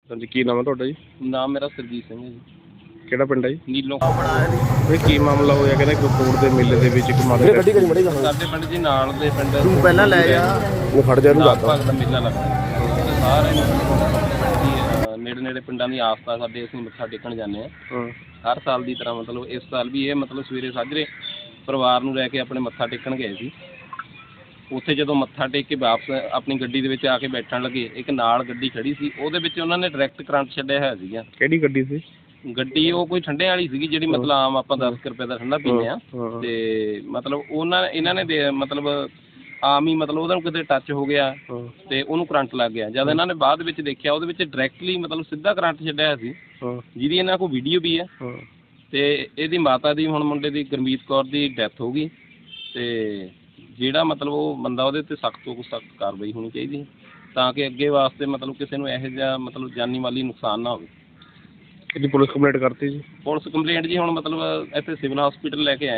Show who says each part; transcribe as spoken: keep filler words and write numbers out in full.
Speaker 1: ਹਾਂਜੀ, ਕੀ ਨਾਮ ਹੈ ਤੁਹਾਡਾ ਜੀ?
Speaker 2: ਨਾਮ ਮੇਰਾ ਸਰਜੀਤ ਸਿੰਘ ਹੈ ਜੀ।
Speaker 1: ਕਿਹੜਾ ਪਿੰਡ ਹੈ ਜੀ?
Speaker 2: ਨੀਲੋਂ।
Speaker 1: ਇਹ ਕੀ ਮਾਮਲਾ ਹੋਇਆ? ਕਹਿੰਦੇ ਕੋਟ ਦੇ ਮੇਲੇ ਦੇ ਵਿੱਚ ਇੱਕ ਮਾਤਾ
Speaker 2: ਗੱਡੀ ਕਰੀ ਮੜੀ ਸਾਡੇ ਪਿੰਡ ਜੀ ਨਾਲ ਦੇ ਪਿੰਡ
Speaker 3: ਤੂੰ ਪਹਿਲਾਂ ਲੈ ਜਾ
Speaker 1: ਉਹ ਖੜ ਜਾ, ਇਹਨੂੰ
Speaker 2: ਨਾਗ
Speaker 1: ਦੱਸ
Speaker 2: ਭਾਗ ਦਾ ਮੇਲਾ ਲੱਗਦਾ ਤੇ ਸਾਰੇ ਨੇੜੇ ਨੇੜੇ ਪਿੰਡਾਂ ਦੀ ਆਸਥਾ ਸਾਡੇ ਅਸੀਂ ਮੱਥਾ ਟੇਕਣ ਜਾਂਦੇ ਹਾਂ
Speaker 1: ਹਾਂ।
Speaker 2: ਹਰ ਸਾਲ ਦੀ ਤਰ੍ਹਾਂ। ਮਤਲਬ ਇਸ ਸਾਲ ਵੀ ਇਹ ਮਤਲਬ ਸਵੇਰੇ ਸਾਜਰੇ ਪਰਿਵਾਰ ਨੂੰ ਲੈ ਕੇ ਆਪਣੇ ਮੱਥਾ ਟੇਕਣ ਗਏ ਸੀ। ਉੱਥੇ ਜਦੋਂ ਮੱਥਾ ਟੇਕ ਕੇ ਵਾਪਸ ਆਪਣੀ ਗੱਡੀ ਦੇ ਵਿੱਚ ਆ ਕੇ ਬੈਠਣ ਲੱਗੇ, ਇੱਕ ਨਾਲ ਗੱਡੀ ਖੜੀ ਸੀ, ਉਹਦੇ ਵਿੱਚ ਉਹਨਾਂ ਨੇ ਡਾਇਰੈਕਟ ਕਰੰਟ ਛੱਡਿਆ ਹੋਇਆ ਸੀਗਾ।
Speaker 1: ਕਿਹੜੀ ਗੱਡੀ ਸੀ?
Speaker 2: ਗੱਡੀ ਉਹ ਕੋਈ ਠੰਡੇ ਵਾਲੀ ਸੀਗੀ, ਜਿਹੜੀ ਮਤਲਬ ਆਮ ਆਪਾਂ ਦਸ ਕੁ ਰੁਪਏ ਦਾ ਠੰਡਾ ਪੀਂਦੇ ਹਾਂ। ਤੇ ਮਤਲਬ ਉਹਨਾਂ ਇਹਨਾਂ ਨੇ ਦੇ ਮਤਲਬ ਆਮ ਹੀ ਮਤਲਬ ਉਹਦਾ ਕਿਤੇ ਟੱਚ ਹੋ ਗਿਆ ਤੇ ਉਹਨੂੰ ਕਰੰਟ ਲੱਗ ਗਿਆ। ਜਦ ਇਹਨਾਂ ਨੇ ਬਾਅਦ ਵਿੱਚ ਦੇਖਿਆ, ਉਹਦੇ ਵਿੱਚ ਡਾਇਰੈਕਟਲੀ ਮਤਲਬ ਸਿੱਧਾ ਕਰੰਟ ਛੱਡਿਆ ਹੋਇਆ ਸੀ, ਜਿਹਦੀ ਇਹਨਾਂ ਕੋਲ ਵੀਡੀਓ ਵੀ ਹੈ। ਤੇ ਇਹਦੀ ਮਾਤਾ ਦੀ, ਹੁਣ ਮੁੰਡੇ ਦੀ ਗੁਰਮੀਤ ਕੌਰ ਦੀ ਡੈਥ ਹੋ ਗਈ। ਤੇ ਜਿਹੜਾ ਮਤਲਬ ਉਹ ਬੰਦਾ, ਉਹਦੇ 'ਤੇ ਸਖਤ ਤੋਂ ਸਖਤ ਕਾਰਵਾਈ ਹੋਣੀ ਚਾਹੀਦੀ, ਤਾਂ ਕਿ ਅੱਗੇ ਵਾਸਤੇ ਮਤਲਬ ਕਿਸੇ ਨੂੰ ਇਹੋ ਜਿਹਾ ਮਤਲਬ ਜਾਨੀ ਮਾਲੀ ਨੁਕਸਾਨ ਨਾ ਹੋਵੇ।
Speaker 1: ਇਹਦੀ ਪੁਲਿਸ ਕੰਪਲੇਂਟ ਕਰਤੀ ਜੀ?
Speaker 2: ਪੁਲਿਸ ਕੰਪਲੇਂਟ ਜੀ ਹੁਣ ਮਤਲਬ ਇੱਥੇ ਸਿਵਲ ਹਸਪੀਟਲ ਲੈ ਕੇ ਆਏ।